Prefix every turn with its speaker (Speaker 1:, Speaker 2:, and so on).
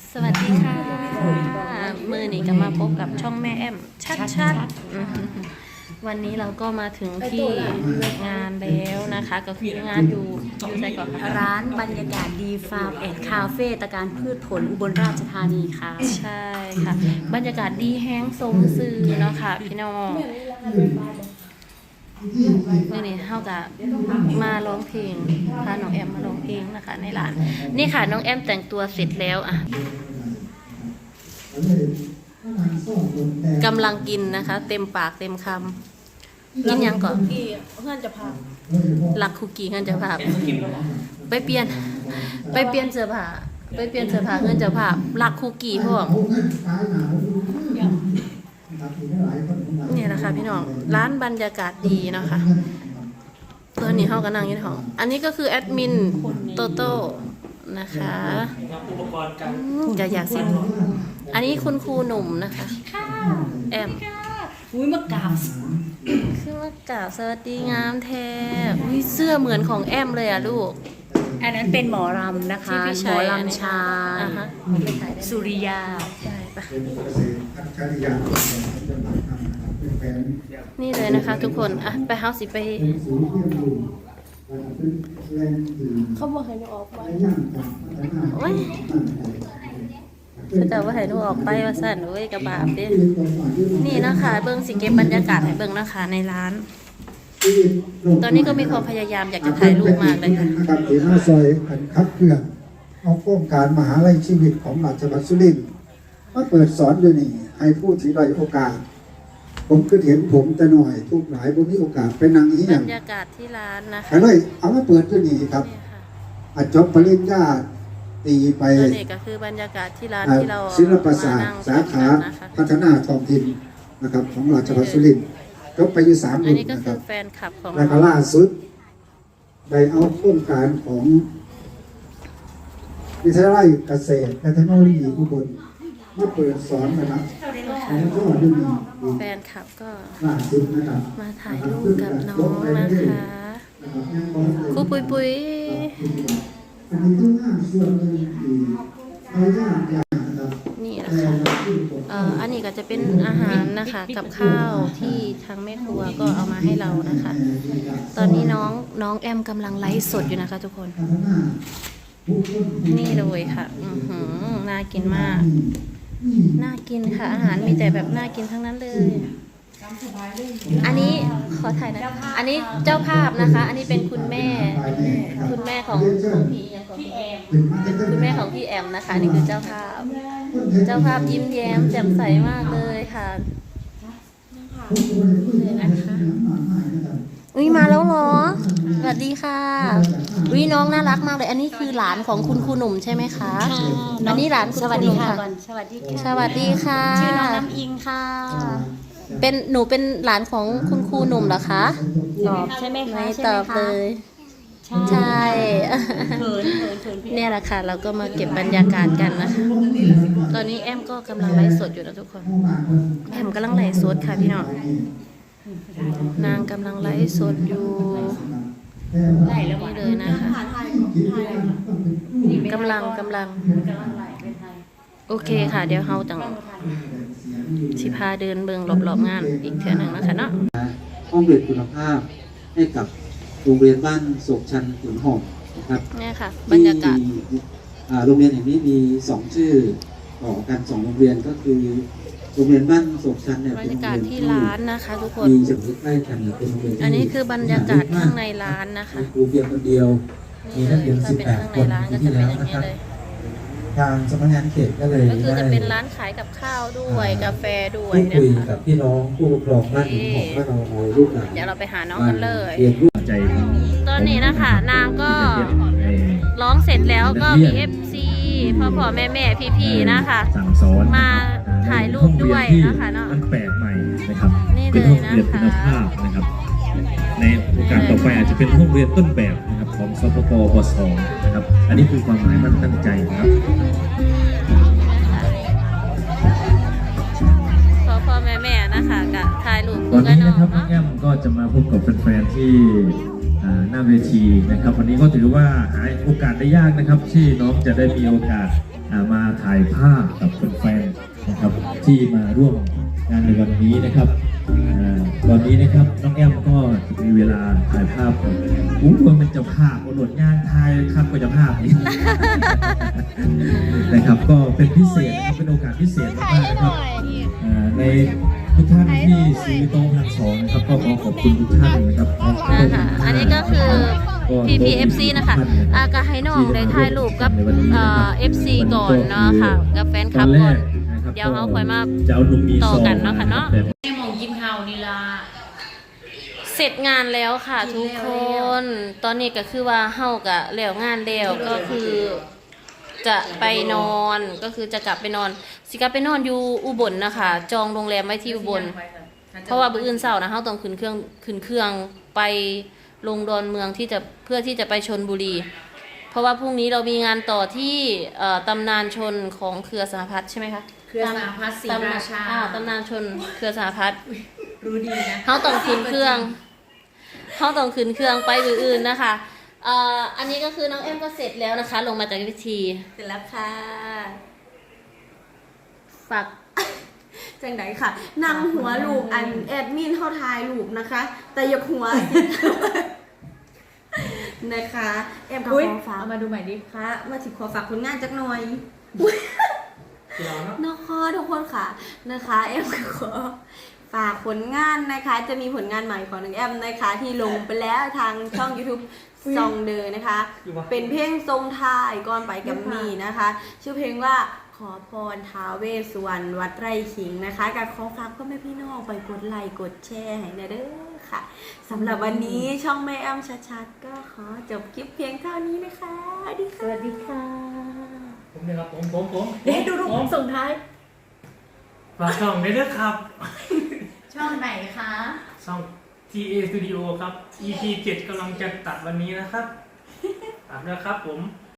Speaker 1: สวัสดีค่ะมือนี้ก็มาพบกับช่องแม่แอมชัดวันนี้เราก็มาถึงที่งานแล้วนะคะก็คืองานอยู่ใจก่อนค่ะ
Speaker 2: ร้านบรรยากาศดีฟาร์มแอนด์คาเฟ่ตะการพืชผลอุบลราชธานีค่ะ
Speaker 1: ใช่ค่ะบรรยากาศดีแห้งสมซื่อเนาะค่ะพี่น้องนี่เท่ากับมาร้องเพลงพาน้องแอมมาร้องเพลงนะคะในร้านนี่ค่ะน้องแอมแต่งตัวเสร็จแล้วอ่ะกำลังกินนะคะเต็มปากเต็มคำกินยังก่อน
Speaker 2: เพื่อนจะพา
Speaker 1: หลักคุกกี้เงินจะพาไปเปลี่ยนเสื้อผ้าเงินจะพาหลักคุกกี้พวกนี่แหละค่ะพี่น้องร้านบรรยากาศดีเนาะค่ะตอนนี้เขาก็นั่งอยู่ในห้องอันนี้ก็คือแอดมินโตโต้นะคะจะอยากสิอันนี้คุณครูหนุ่มนะคะแอม
Speaker 2: อุ้ยมากราบ
Speaker 1: คือมากราบสวัสดีงามแท้อุ้ยเสื้อเหมือนของแอมเลยอะลูก
Speaker 2: อันนั้นเป็นหมอรำนะคะหมอรำชายสุริยา
Speaker 1: ใช่ปะนี่เลยนะคะทุกคนอ่ะไปเฮาสิไปเขาบอกให้หนูออกไปโอ้ยเขาจะว่าให้หนูออกไปว่าสั่นโอ้ยกระบาดดินี่นะคะเบิ้งสิเก็บบรรยากาศให้เบิ้งนะคะในร้านตอนนี้ก็มีความพยายามอยากจะถ่ายรูปมากเลยค่ะ
Speaker 3: ครับที่หน้าซอยขันคับเคลื่อนเอาโครงการมหาลัยชีวิตของราชบัณฑิตสุรินทร์มาเปิดสอนอยู่นี่ให้ผู้ที่ด้อยโอกาสผมคือเห็นผมแต่หน่อยทุกหลายผมมีโอกาสไปนั่งอีหยัง
Speaker 1: บรรยากาศที่ร้านนะคะ
Speaker 3: เลยเอามาเปิดอยู่นี่ครับจบปริญญาตีไป
Speaker 1: นี่ก็คือบรรยากาศที่ร้านที่เรา
Speaker 3: ศิลปศาสตร์สาขาพัฒนาท้องถิ่นนะครับของราชบัณฑิตสุรินทร์จบไปอยู่3
Speaker 1: รุ่นนะครับแฟนคลับของ
Speaker 3: แล้วก็ล่าสุดได้เอาโครงการของวิทยาลัยเกษตรและเทคโนโลยีอุบลมาเปิดสอนนะครับ
Speaker 1: แฟนคลับก็มาถ่ายรูปกับน้องนะคะครูปุยนี่นะคะอันนี้ก็จะเป็นอาหารนะคะกับข้าวที่ทางแม่ครัวก็เอามาให้เรานะคะตอนนี้น้องแอมกำลังไลฟ์สดอยู่นะคะทุกคนนี่เลยค่ะน่ากินมากน่ากินค่ะอาหารมีแต่แบบน่ากินทั้งนั้นเลยอันนี้ขอถ่ายนะอันนี้เจ้าภาพนะคะอันนี้เป็นคุณแม่ของพี่แอมเป็นคุณแม่ของพี่แอมนะคะนี่คือเจ้าภาพยิ้มแย้มแจ่มใสมากเลยค่ะเลยนะคะอุ้ยมาแล้วเหรอสวัสดีค่ะอุ้ยน้องน่ารักมากเลยอันนี้คือหลานของคุณครูหนุ่มใช่ไหมคะอันนี้หลาน
Speaker 2: สวัสดีค่ะสวัสดีค่ะชื่อน้องน้ำอิงค่ะ
Speaker 1: หนูเป็นหลานของคุณครูหนุ่มเหรอคะ
Speaker 2: ตอบใช่ไหมคะ
Speaker 1: ไม่ตอบเลยใช่เนี่ยแหละค่ะเราก็มาเก็บบรรยากาศกันนะคะตอนนี้แอมก็กำลังไลฟ์สดอยู่นะทุกคนแอมกำลังไลฟ์สดค่ะพี่น้องนางกำลังไลฟ์สดอยู่นี่เลยนะคะกำลังโอเคค่ะเดี๋ยวเฮาจังสิพาเดินเบิ่งรอบๆงานอีกเทื่อนึงนะคะเนาะ
Speaker 4: ห้องเรียนคุณภาพให้กับโรงเรียนบ้านโศกชันขุนหอมนะครับ
Speaker 1: เนี่ยค่ะบรรยากาศ
Speaker 4: โรงเรียนแห่งนี้มี2ชื่อต่อกัน2โรงเรียนก็คือโรงเรียนบ้านโศกชันเนี่ย
Speaker 1: บรรยากาศที่ร้านนะคะทุกคน
Speaker 4: มีจุดใกล้กันเป็นโรงเรียน
Speaker 1: อันนี้คือบรรยากาศข้างในร้านนะคะ
Speaker 4: ครูเพียงคนเดียวมีนักเรียน18 คนที่แล้วนะครับทางสำนักงานเขตก็เลย
Speaker 1: จะเป็นร้านขายกับข้าวด้วยกาแฟด้วย
Speaker 4: นะคะคุยกับพี่น้องผู้ปกครองบ้านขุนหอมว่าเราเอาลูกหลาน
Speaker 1: เดี๋ยวเราไปหาน้องกันเลย
Speaker 4: ใจ
Speaker 1: ตอนนี้นะคะนางก็ร้องเสร็จแล้วก็มี FC พ่อแม่พี่ๆนะคะมาถ่ายรูปด้วยนะคะเนาะ
Speaker 5: มันแปลกใหม่นะครับ
Speaker 1: เป็น
Speaker 5: ห้องเรียนคุณภาพนะครับในโอกาสต่อไปอาจจะเป็นห้องเรียนต้นแบบนะครับของสปปปสนะครับอันนี้คือความหมายมันตั้งใจนะครับ
Speaker 1: พ่อแม่นะคะกับถ่ายรูป
Speaker 5: ตอนนี้นะครับน้องแอมก็จะมาพบกับแฟนๆที่หน้าเวทีนะครับวันนี้ก็ถือว่าหาโอกาสได้ยากนะครับที่น้องจะได้มีโอกาสมาถ่ายภาพกับแฟนๆนะครับที่มาร่วมงานในวันนี้นะครับตอนนี้นะครับน้องแอมก็จะมีเวลาถ่ายภาพมันเป็นเจ้าภาพหนวดงานถ่ายครับก็เจ้าภาพนี่ นะครับก็เป็นพิเศษนะครับเป็นโอกาสพิเศษมากๆนะครับในทุกท่านที่ซื้อโต๊ะพันสองนะครับก็ขอขอบคุณทุกท่านนะครับ
Speaker 1: นะคะอันนี้ก็คือ PPFC นะคะก็ให้น้องได้ถ่ายรูปกับ FC ก่อนเนาะค่ะกับแฟนคลับก่อนเดี๋ยวเขาค่อยมา
Speaker 5: จะเอาหนุ่มมี
Speaker 1: ต่อ
Speaker 5: ซอง
Speaker 1: กันเนาะค่ะเนาะ
Speaker 2: ให้มองกินข้าวนี่ล่ะ
Speaker 1: เสร็จงานแล้วค่ะทุกคน ตอนนี้ก็คือว่าเฮากะแล้วงานแล้วก็คือจะไปนอนก็คือจะกลับไปนอนสิกลับไปนอนอยู่อุบลนะคะ จองโรงแรมไว้ที่อุบล เพราะว่ามื้ออื่นเช้านะเฮาต้องขึ้นเครื่องไปลงดอนเมืองที่จะเพื่อที่จะไปชลบุรี เพราะว่าพรุ่งนี้เรามีงานต่อที่ตำนานชนของเครือสหพัฒน์ใช่ไหมคะ
Speaker 2: เครือสหพัฒน์ศรีราชา
Speaker 1: ตำนานชนเครือสหพัฒน์
Speaker 2: รู้ดีนะ
Speaker 1: เขาต้องขึ้นเครื่องไปอื่นๆนะคะอันนี้ก็คือน้องแอมก็เสร็จแล้วนะคะ ลงมาจากวิธี
Speaker 6: เสร็จแล้วค่ะ
Speaker 1: ฝาก
Speaker 6: จังไดค่ะนั่งหัวลูกอันแอดมินเข้าทายลูกนะคะ แต่อย่าหัว นะคะแอมกับ
Speaker 2: อุ๊ย
Speaker 6: ขอฝาก
Speaker 2: เอามาดูใหม่ดิ
Speaker 6: ค่ะมาถึงขอฝากผลงานจักหน่อยนะคะทุกคนค่ะนะคะแอมก็ขอฝากผลงานนะคะ จะมีผลงานใหม่ของน้องแอมนะคะ ที่ลงไปแล้วทางช่อง YouTube ซองเดอนะคะ เป็นเพลงทรงไทายก่อนไปกับมีนะคะ ชื่อเพลงว่าขอพรท้าวเวสสุวรรณวัดไร่ขิงนะคะกับขอฝากพ่อแม่พี่น้องไปกดไลค์กดแชร์ให้นะเด้อค่ะสำหรับวันนี้ช่องแม่แอมชัดๆก็ขอจบคลิปเพียงเท่านี้นะคะสวัสดีค่ะ
Speaker 7: ผมเนี่ยครับผม
Speaker 2: เดี๋ยวดูรูปส่งท้าย
Speaker 7: ฝากช่องได้ด้วยครับ
Speaker 2: ช่องไหนคะ
Speaker 7: ช่อง TA Studio ครับ EP 7กำลังจะตัดวันนี้นะครับตัดแล้วครับผม